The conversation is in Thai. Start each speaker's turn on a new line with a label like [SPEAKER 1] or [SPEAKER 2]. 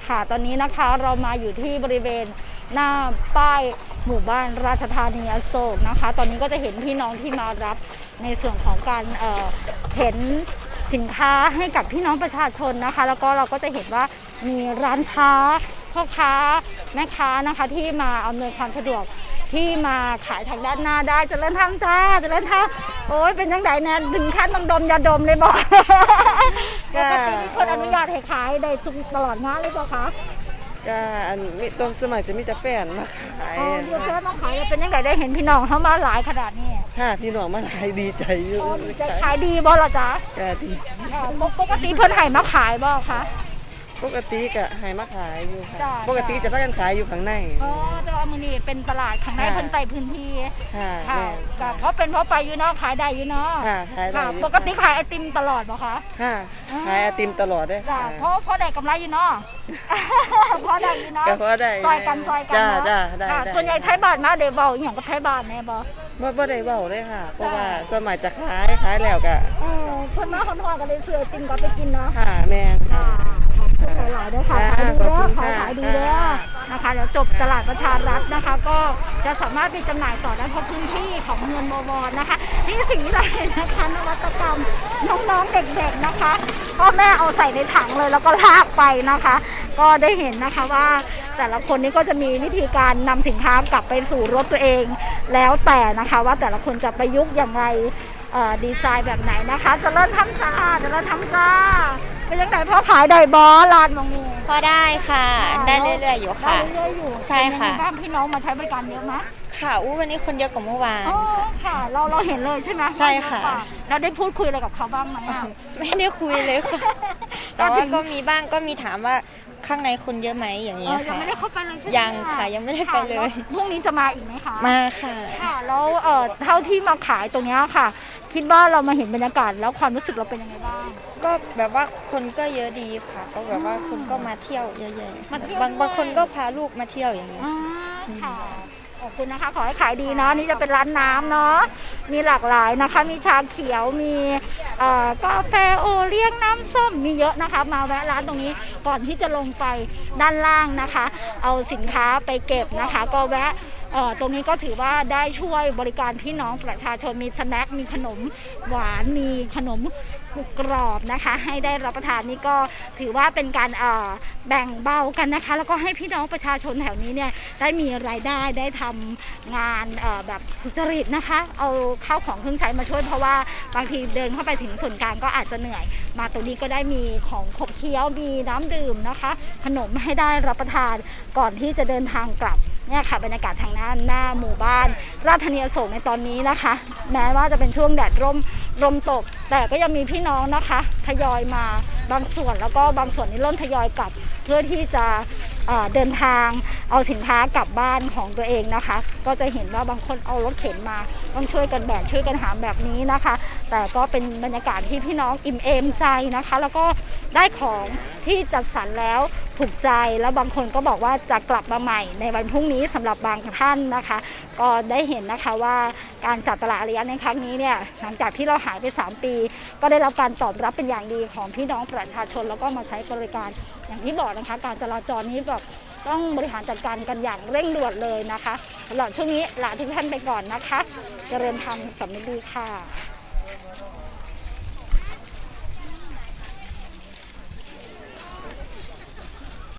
[SPEAKER 1] ค่ะตอนนี้นะคะเรามาอยู่ที่บริเวณหน้าป้ายหมู่บ้านราชธานีอโศกนะคะตอนนี้ก็จะเห็นพี่น้องที่มารับในส่วนของการเห็นสินค้าให้กับพี่น้องประชาชนนะคะแล้วก็เราก็จะเห็นว่ามีร้านค้าพ่อค้าแม่ค้านะคะที่มาอำนวยความสะดวกที่มาขายทางด้านหน้าได้เจริญธรรมจ้าเจริญธรรมโอ้ยเป็นยังไงเนี่ยถึงขั้นต้องดมยาดมเลยบอกปกติมีคนอนุญาตให้ขายได้ตลอดงานเลยบอกคะ
[SPEAKER 2] ก็อันมีตรงสมัยจะมีแต่แฟนมาขาย
[SPEAKER 1] เดี๋ยวแค่ต้องขายเป็นยังไงได้เห็นพี่น้องเข้ามาหลายขนาดนี้
[SPEAKER 2] ค่ะพี่น้องมาขายดีใจอยู่
[SPEAKER 1] จะขายดีบ่ล่ะจ๊ะ
[SPEAKER 2] ก็ดี
[SPEAKER 1] ปกติเพิ่นให้มาขายบ่คะ
[SPEAKER 2] ปกติก็ให้มาขายอยู่ค่ะปกติจะพากันขายอยู่ข้างใน
[SPEAKER 1] แต่ว่ามื้อนี้เป็นตลาดข้างในเพิ่นใต้พื้นที่
[SPEAKER 2] ค่ะ
[SPEAKER 1] ก็เขาเป็นเพราะไปอยู่เนาะขายได้อยู่เนาะ
[SPEAKER 2] ค่ะขายได้
[SPEAKER 1] ปกติขายไอติมตลอดบ่คะ
[SPEAKER 2] ค่ะขายไอติมตลอดเด้
[SPEAKER 1] จ้ะเพราะได้กำไรอยู่เนาะเพราะได้อยู่เนาะ
[SPEAKER 2] ก็เพราะได้
[SPEAKER 1] ซอยกันเนาะ
[SPEAKER 2] ได้
[SPEAKER 1] ส่วนใหญ่ไทยบ้านมาได้เว้าอีหยังกับไทยบ้านแน่บ่
[SPEAKER 2] บ่ได้เว้าเลยค่ะเพราะว่าสมัยจะขายแล้วก็
[SPEAKER 1] เพิ่นมาฮ้อนๆก็เลยซื้อไอติมก็ไปกินเนาะ
[SPEAKER 2] ค่ะแม่นค่ะ
[SPEAKER 1] หลายๆด้วยค่ะขายดีเด้อขายดีเด้อนะคะเดี๋ยวจบตลาดประชารัฐนะคะก็จะสามารถไปจำหน่ายต่อได้เพราะพื้นที่ของเมืองบวรนะคะนี่สิ่งที่เราเห็นนะคะนวัตกรรมน้องๆเด็กๆนะคะพ่อแม่เอาใส่ในถังเลยแล้วก็ลากไปนะคะก็ได้เห็นนะคะว่าแต่ละคนนี้ก็จะมีวิธีการนำสินค้ากลับไปสู่รถตัวเองแล้วแต่นะคะว่าแต่ละคนจะประยุกต์อย่างไรดีไซน์แบบไหนนะคะจะเริ่มทำจ้าเป็นยังไงพ่อขายได้บอร้านมองงู
[SPEAKER 3] พอได้ค่ะได้เรื่อยๆอยู่ค่ะ
[SPEAKER 1] เรื่อยๆอยู่
[SPEAKER 3] ใช่ค่ะ
[SPEAKER 1] บ้านพี่น้องมาใช้บริการเยอะไหม
[SPEAKER 3] ค่ะวันนี้คนเยอะกว่าเมื่อวาน
[SPEAKER 1] ค่ะเราเห็นเลยใช่ไหม
[SPEAKER 3] ใช่ค่ะ
[SPEAKER 1] เราได้พูดคุยอะไรกับเขาบ้างไหม
[SPEAKER 3] ไม่ได้คุยเลยค่ะแต่ว่าก็มีบ้างก็มีถามว่าข้างในคนเยอะไหมอย่างนี้ค่ะ
[SPEAKER 1] ยังไม่ได้เข้าไปเลยใช่ไหม
[SPEAKER 3] ยังค่ะยังไม่ได้ไปเลย
[SPEAKER 1] พรุ่งนี้จะมาอีกไหมคะ
[SPEAKER 3] มาค่ะ
[SPEAKER 1] ค่ะแล้วเท่าที่มาขายตรงนี้ค่ะคิดว่าเรามาเห็นบรรยากาศแล้วความรู้สึกเราเป็นยังไงบ้าง
[SPEAKER 3] ก็แบบว่าคนก็เยอะดีค่ะก็แบบว่าคนก็มาเที่ยวเยอะๆบางคนก็พาลูกมาเที่ยวอย่างนี้
[SPEAKER 1] ค่ะขอบคุณนะคะขอให้ขายดีเนาะนี่จะเป็นร้านน้ำเนาะมีหลากหลายนะคะมีชาเขียวมีกาแฟโอเลี้ยงน้ำส้มมีเยอะนะคะมาแวะร้านตรงนี้ก่อนที่จะลงไปด้านล่างนะคะเอาสินค้าไปเก็บนะคะก็แวะตรงนี้ก็ถือว่าได้ช่วยบริการพี่น้องประชาชนมีสแน็คมีขนมหวานมีขนมกรอบนะคะให้ได้รับประทานนี่ก็ถือว่าเป็นการแบ่งเบากันนะคะแล้วก็ให้พี่น้องประชาชนแถวนี้เนี่ยได้มีรายได้ได้ทำงานแบบสุจริตนะคะเอาข้าวของเครื่องใช้มาช่วยเพราะว่าบางทีเดินเข้าไปถึงส่วนกลางก็อาจจะเหนื่อยมาตรงนี้ก็ได้มีของขบเคี้ยวมีน้ำดื่มนะคะขนมให้ได้รับประทานก่อนที่จะเดินทางกลับเนี่ยค่ะบรรยากาศทางหน้าหมู่บ้านราชธานีอโศกในตอนนี้นะคะแม้ว่าจะเป็นช่วงแดดร่มตกแต่ก็ยังมีพี่น้องนะคะทยอยมาบางส่วนแล้วก็บางส่วนนี้เริ่มทยอยกลับเพื่อที่จะเดินทางเอาสินค้ากลับบ้านของตัวเองนะคะก็จะเห็นว่าบางคนเอารถเข็นมาต้องช่วยกันแบกช่วยกันหามแบบนี้นะคะแต่ก็เป็นบรรยากาศที่พี่น้องอิ่มเอมใจนะคะแล้วก็ได้ของที่จัดสรรแล้วถูกใจแล้วบางคนก็บอกว่าจะกลับมาใหม่ในวันพรุ่งนี้สำหรับบางท่านนะคะก็ได้เห็นนะคะว่าการจัดตลาดอารีย์ในครั้งนี้เนี่ยหลังจากที่เราหายไป3 ปีก็ได้รับการตอบรับเป็นอย่างดีของพี่น้องประชาชนแล้วก็มาใช้บริการอย่างที่บอกนะคะการจราจรนี้แบบต้องบริหารจัดการกันอย่างเร่งด่วนเลยนะคะสำหรับช่วงนี้ลาทุกท่านไปก่อนนะคะเจริญธรรมสำนึกดีค่ะ